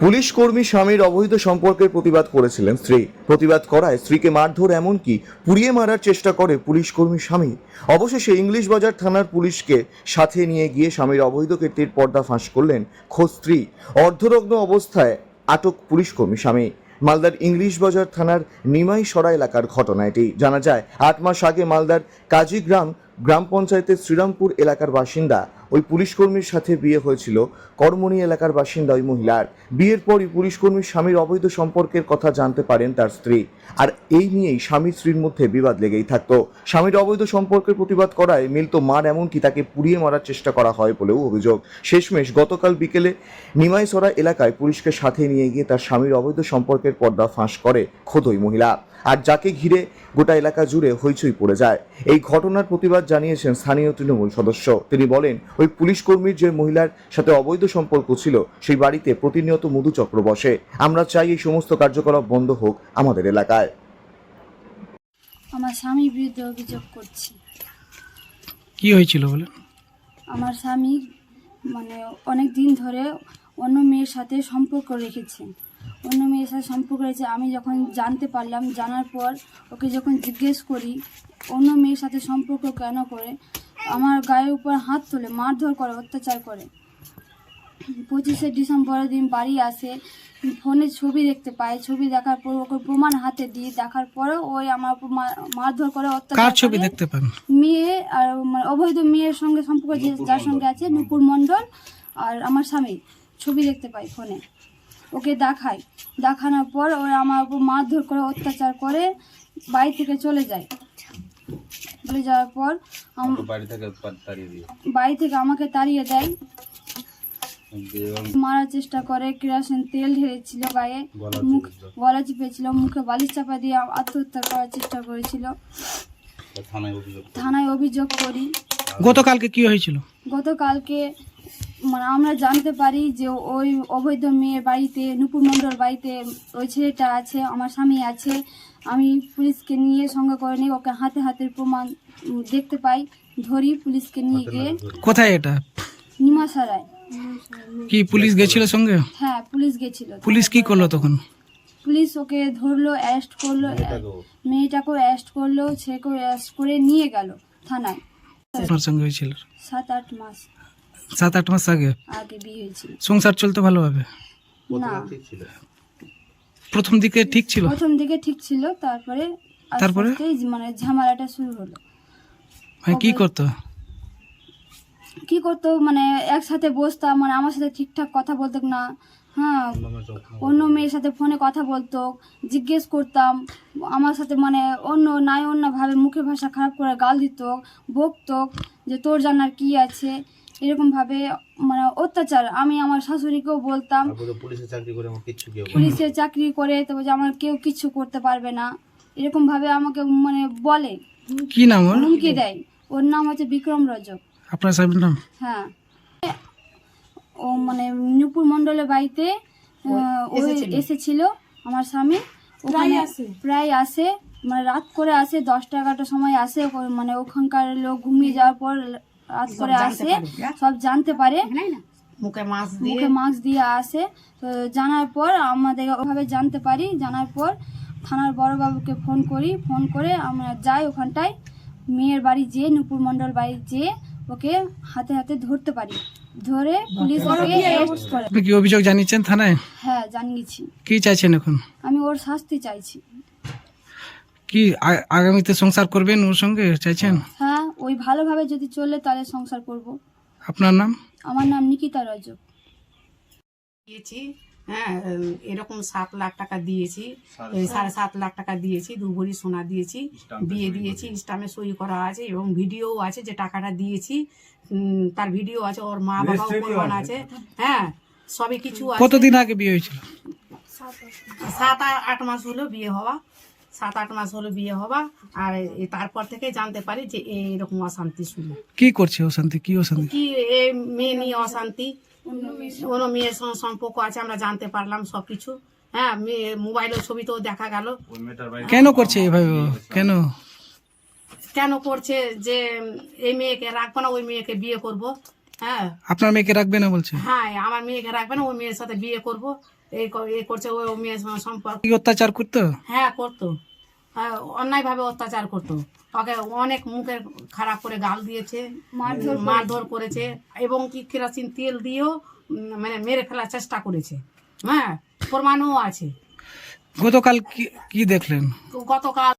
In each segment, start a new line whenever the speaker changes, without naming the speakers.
Police কর্মী স্বামীর অবৈধ সম্পর্কের প্রতিবাদ করেছিলেন স্ত্রী। প্রতিবাদ করায় স্ত্রীকে মারধর, এমনকি পুড়িয়ে মারার চেষ্টা করে পুলিশ কর্মী স্বামী। অবশেষে ইংলিশ বাজার থানার পুলিশকে সাথে নিয়ে গিয়ে স্বামীর অবৈধ কীর্তির পর্দা ফাঁস করলেন খোদ স্ত্রী। অর্ধনগ্ন অবস্থায় আটক পুলিশ কর্মী স্বামী। মালদার ইংলিশ বাজার থানার নিমাইসরা এলাকার ঘটনা এটি। জানা যায় 8 মাস আগে মালদার কাজীগ্রাম গ্রাম পঞ্চায়েতের শ্রীরামপুর এলাকার বাসিন্দা ওই পুলিশকর্মীর সাথে বিয়ে হয়েছিল কর্মণী এলাকার বাসিন্দা ওই মহিলার। বিয়ের পরই পুলিশকর্মীর স্বামীর অবৈধ সম্পর্কের কথা জানতে পারেন তার স্ত্রী। আর এই নিয়েই স্বামী স্ত্রীর মধ্যে বিবাদ লেগেই থাকতো। স্বামীর অবৈধ সম্পর্কের প্রতিবাদ করায় মিলত মার, এমনকি তাকে পুড়িয়ে মারার চেষ্টা করা হয় বলেও অভিযোগ। শেষমেশ গতকাল বিকেলে নিমাইসরা এলাকায় পুলিশকে সাথে নিয়ে গিয়ে তার স্বামীর অবৈধ সম্পর্কের পর্দা ফাঁস করে খোদ ওই মহিলা। আর যাকে ঘিরে গোটা এলাকা জুড়ে হইচই পড়ে যায়। এই ঘটনার প্রতিবাদ জানিয়েছেন স্থানীয় তৃণমূল সদস্য। তিনি বলেন, ওই পুলিশ কর্মীর যে মহিলার সাথে অবৈধ সম্পর্ক ছিল সেই বাড়িতে প্রতিনিয়ত মধুচক্র বসে। আমরা চাই এই সমস্ত কার্যকলাপ বন্ধ হোক আমাদের এলাকায়।
আমার স্বামীর বিরুদ্ধে অভিযোগ করছি।
কি হয়েছিল বলে?
আমার স্বামী অনেক দিন ধরে অন্য মেয়ের সাথে সম্পর্ক রেখেছে। আমি যখন জানতে পারলাম, জানার পর ওকে যখন জিজ্ঞেস করি অন্য মেয়ের সাথে সম্পর্ক কেন করে, আমার গায়ের উপর হাত তোলে, মারধর করে, অত্যাচার করে। 25শে ডিসেম্বরের দিন বাড়ি আসে, ফোনে ছবি দেখতে পাই, ছবি দেখার পর ওকে প্রমাণ হাতে দিয়ে দেখার পরে ওই আমার উপর মারধর করে, অত্যাচার।
কার ছবি দেখতে পান?
মেয়ে আর অবৈধ মেয়ের সঙ্গে সম্পর্ক যার সঙ্গে আছে, নুপুর মণ্ডল, আর আমার স্বামী ছবি দেখতে পাই ফোনে। ওকে দেখানোর পর ওরা আমার উপর মারধর করে, অত্যাচার করে, বাড়ি থেকে চলে যায়। চলে যাওয়ার পর বাড়ি থেকে আমাকে তাড়িয়ে দেয়, মারার চেষ্টা করে। কেরোসিন তেল ঢেলেছিল গায়ে, গলা চিপেছিল, মুখে বালিশ চাপা দিয়ে আত্মহত্যা করার চেষ্টা করেছিল। থানায় অভিযোগ করি।
গতকালকে কি হয়েছিল?
গতকালকে আমরা জানতে পারি যে ওই অবৈধ মেয়ের বাড়িতে, নুপুর মণ্ডল বাড়িতে ওই ছেলেটা আছে, আমার স্বামী আছে। আমি পুলিশকে নিয়ে সঙ্গে করে নিই, ওকে হাতে হাতের প্রমাণ দেখতে পাই, ধরি, পুলিশকে নিয়ে গিয়ে।
কোথায় এটা?
নিমাইসরায়।
কি পুলিশ গেছিল সঙ্গে?
হ্যাঁ, পুলিশ গেছিল।
পুলিশ কি করলো তখন?
পুলিশ ওকে ধরলো, অ্যারেস্ট করলো, মেয়েটাকেও অ্যারেস্ট করলো, ছেলেকেও অ্যারেস্ট করে নিয়ে গেল থানায়।
আপনার সঙ্গে হয়েছিল?
7-8 মাস
7-8 মাস আগে
বিয়ে হয়েছিল।
সংসার চলতো ভালোভাবে?
না,
প্রথম দিকে ঠিক ছিল।
তারপরে ঝামেলাটা শুরু হলো।
কি করতো?
একসাথে বসতাম, আমার সাথে ঠিকঠাক কথা বলতো না। হ্যাঁ, অন্য মেয়ের সাথে ফোনে কথা বলতো, জিজ্ঞেস করতাম আমার সাথে, অন্যভাবে মুখের ভাষা খারাপ করে গাল দিত, বকতো যে তোর জানার কি আছে, এরকম ভাবে অত্যাচার। আমি আমার শাশুড়িকেও বলতাম, পুলিশের চাকরি করে তো আমার কেউ কিছু করতে পারবে না, এরকম ভাবে আমাকে বলে।
কি নাম ওর?
হুমকি দেয়। ওর নাম হচ্ছে বিক্রম রজক।
আপনার স্বামীর নাম?
হ্যাঁ, ও নুপুর মণ্ডলের বাড়িতে এসেছিল আমার স্বামী। প্রায় আসে, রাত করে আসে, 10টা-11টার সময় আসে। ওখানকার লোক ঘুমিয়ে যাওয়ার পর রাত করে আসে, সব জানতে পারে, মুখে মাস্ক দিয়ে আসে। তো জানার পর আমাদের ওভাবে জানতে পারি। জানার পর থানার বড়বাবুকে ফোন করে আমরা যাই ওখানটায়, মেয়ের বাড়ি যেয়ে, নুপুর মণ্ডল বাড়ি যেয়ে ওকে হাতে হাতে ধরতে পারি। ধরে পুলিশ ওকে অ্যারেস্ট করে।
আপনি কি অভিযোগ জানিয়েছেন থানায়?
হ্যাঁ, জানিয়েছি।
কি চাইছেন এখন?
আমি ওর শাস্তি চাইছি।
কি আগামীতে সংসার করবেন ওর সঙ্গে চাইছেন?
হ্যাঁ, ওই ভালোভাবে যদি চলে তাহলে সংসার করব।
আপনার নাম?
আমার নাম নিকিতা রজক।
হ্যাঁ, এরকম 7 লাখ টাকা দিয়েছি, 7.5 লাখ টাকা দিয়েছি, 2 ভরি সোনা দিয়েছি, বিয়ে দিয়েছি, স্টামে সই করা আছে এবং ভিডিও আছে যে টাকাটা দিয়েছি, তার ভিডিও আছে, ওর মা বাবাও প্রমাণ আছে। হ্যাঁ, সবই কিছু আছে।
কতদিন আগে বিয়ে হয়েছিল?
7-8 মাস হলো বিয়ে হওয়া। 7-8 মাস হলো বিয়ে হওয়া। আর তারপর থেকে জানতে পারি যে এরকম অশান্তি শুরু।
কি করছে অশান্তি? কি অশান্তি?
কি মেয়ে নিয়ে অশান্তি, অন্য মেয়ের সঙ্গে সম্পর্ক আছে, আমরা জানতে পারলাম সবকিছু। হ্যাঁ, মোবাইলের ছবি তো দেখা গেল।
কেন করছে এভাবে? কেন
করছে যে এই মেয়েকে রাখবো না, ওই মেয়েকে বিয়ে করব, হ্যাঁ
আপনার মেয়েকে রাখবে না বলছে?
হ্যাঁ আমার মেয়েকে রাখবে না, ওই মেয়ের সাথে বিয়ে করবো এই করছে, ওই মেয়ের সঙ্গে সম্পর্ক।
কি অত্যাচার করতো?
হ্যাঁ করতো, হ্যাঁ অন্যায় ভাবে অত্যাচার করতো, ওকে অনেক মুখে খারাপ করে গাল দিয়েছে, মারধর করেছে, এবং কি কেরোসিন তেল দিয়েও মানে মেরে ফেলার চেষ্টা করেছে। হ্যাঁ প্রমাণও আছে।
গতকাল কি দেখলেন?
গতকাল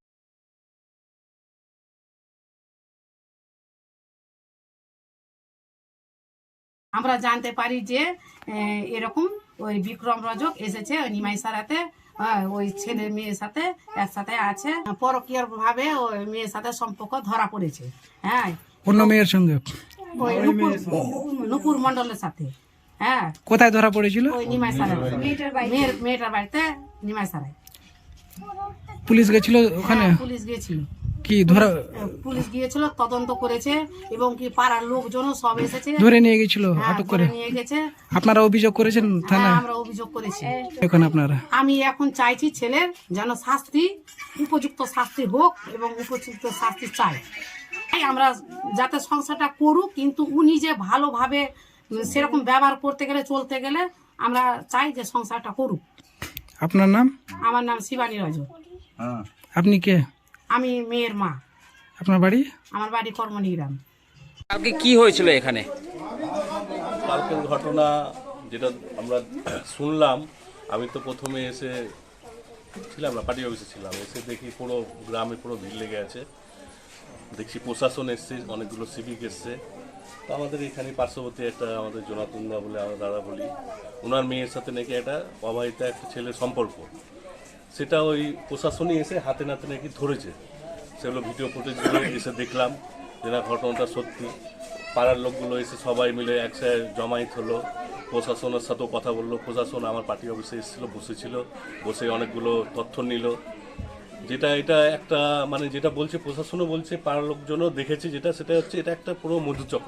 আমরা জানতে পারি যে এরকম ওই বিক্রম রজক এসেছে ওই নিমাই সারাতে, ওই ছেলে মেয়ের সাথে একসাথে আছে, পরকীয় ভাবে ওই মেয়ের সাথে সম্পর্ক ধরা পড়েছে। হ্যাঁ
অন্য মেয়ের সঙ্গে?
ওই নুপুর মন্ডলের সাথে। হ্যাঁ
কোথায় ধরা পড়েছিল?
ওই নিমাই সারা মেয়েটার বাড়িতে নিমাই সারায়।
পুলিশ গেছিল ওখানে?
পুলিশ গিয়েছিল।
কি ধরা?
পুলিশ গিয়েছিল, তদন্ত করেছে, এবং কি পাড়ার লোকজনও সব এসেছে,
ধরে নিয়ে গেছিল, আটক করে
নিয়ে গেছে।
আপনারা অভিযোগ করেছেন থানায়?
আমরা অভিযোগ করেছি।
এখন আপনারা?
আমি এখন চাইছি ছেলের যেন শাস্তি, উপযুক্ত শাস্তি হোক, এবং উপযুক্ত শাস্তি চাই। তাই আমরা যাতে সংসারটা করুক, কিন্তু উনি যে ভালোভাবে সেরকম ব্যবহার করতে গেলে, চলতে গেলে আমরা চাই যে সংসারটা করুক।
আপনার নাম?
আমার নাম শিবানী রজক।
আপনি কে?
আমি মেয়ের মা।
আপনার বাড়ি?
আমার বাড়ি কর্মনিগ্রাম।
কালকে কি হয়েছিল এখানে?
কালকের ঘটনা যেটা আমরা শুনলাম, আমি তো প্রথমে এসে ছিলাম না, পার্টি অফিসে ছিলাম, এসে দেখি পুরো গ্রামে পুরো ভিড় লেগে আছে। দেখছি প্রশাসন এসছে, অনেকগুলো সিভিক এসছে। তো আমাদের এখানে পার্শ্ববর্তী একটা আমাদের জোনাতুন্দা বলে আমরা দাদা বলি, ওনার মেয়ের সাথে নাকি একটা অবাহিতা একটা ছেলের সম্পর্ক, সেটা ওই প্রশাসনই এসে হাতে নাতে নাকি ধরেছে। সেগুলো ভিডিও ফুটেজগুলো এসে দেখলাম যে না ঘটনাটা সত্যি। পাড়ার লোকগুলো এসে সবাই মিলে একসাথে জমায়েত হলো, প্রশাসনের সাথেও কথা বললো। প্রশাসন আমার পার্টি অফিসে এসেছিলো, বসেছিল, বসে অনেকগুলো তথ্য নিল। যেটা এটা একটা মানে যেটা বলছে প্রশাসনও বলছে, পাড়ার লোকজনও দেখেছে, যেটা সেটা হচ্ছে এটা একটা পুরো মধুচক্র।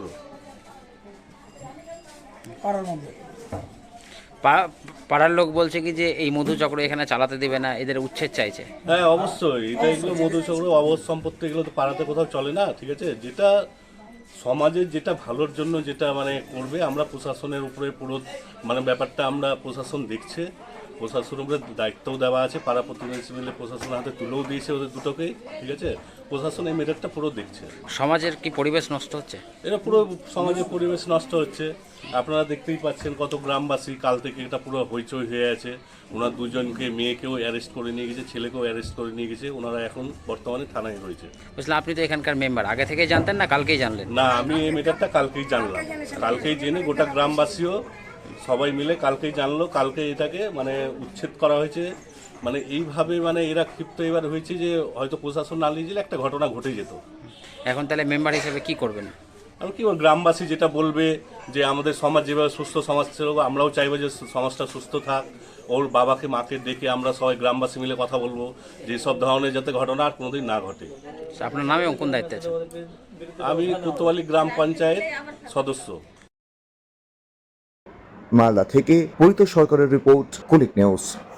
পাড়ার লোক বলছে কি যে এই মধুচক্র এখানে চালাতে দিবে না, এদের উচ্ছেদ চাইছে।
হ্যাঁ অবশ্যই, এটা এগুলো মধুচক্র, অবধ সম্পত্তি, এগুলো তো পাড়াতে কোথাও চলে না, ঠিক আছে। যেটা সমাজের যেটা ভালোর জন্য যেটা মানে করবে, আমরা প্রশাসনের উপরে পুরো মানে ব্যাপারটা আমরা প্রশাসন দেখছে, প্রশাসনের উপরে দায়িত্বও দেওয়া আছে, পাড়া প্রতিবেশী মিলে প্রশাসনের হাতে তুলেও দিয়েছে ওদের দুটোকেই, ঠিক আছে। প্রশাসন এই মেটারটা পুরো দেখছে।
সমাজের কি পরিবেশ নষ্ট হচ্ছে?
এটা পুরো সমাজের পরিবেশ নষ্ট হচ্ছে। আপনারা দেখতেই পাচ্ছেন কত গ্রামবাসী কাল থেকে এটা পুরো হইচই হয়ে আছে। ওনার দুজনকে, মেয়েকেও অ্যারেস্ট করে নিয়ে গেছে, ছেলেকেও অ্যারেস্ট করে নিয়ে গেছে। ওনারা এখন বর্তমানে থানায় রয়েছে।
বুঝলাম, আপনি তো এখানকার মেম্বার, আগে থেকেই জানতেন না কালকেই জানলেন?
না, আমি এই মেটারটা কালকেই জানলাম, কালকেই জেনে গোটা গ্রামবাসীও সবাই মিলে কালকেই জানলো। কালকে এটাকে মানে উচ্ছেদ করা হয়েছে। মানে এইভাবে মানে এরা ক্ষিপ্ত এবার হয়েছে যে হয়তো প্রশাসন না নিয়ে গেলে একটা ঘটনা ঘটে যেত।
এখন তাহলে মেম্বার হিসেবে কি করবেন?
আর কি গ্রামবাসী যেটা বলবে যে আমাদের সমাজ যেভাবে সুস্থ সমাজ ছিল, আমরাও চাইবো যে সমাজটা সুস্থ থাক। ওর বাবাকে মাকে ডেকে আমরা সবাই গ্রামবাসী মিলে কথা বলবো যে সব ধরনের যাতে ঘটনা আর কোনোদিন না ঘটে।
আপনার নামে কোন দায়িত্বে আছে?
আমি কোতোয়ালি গ্রাম পঞ্চায়েত সদস্য।
মালদা থেকে পরিতোষ সরকারের রিপোর্ট, কুলিক নিউজ।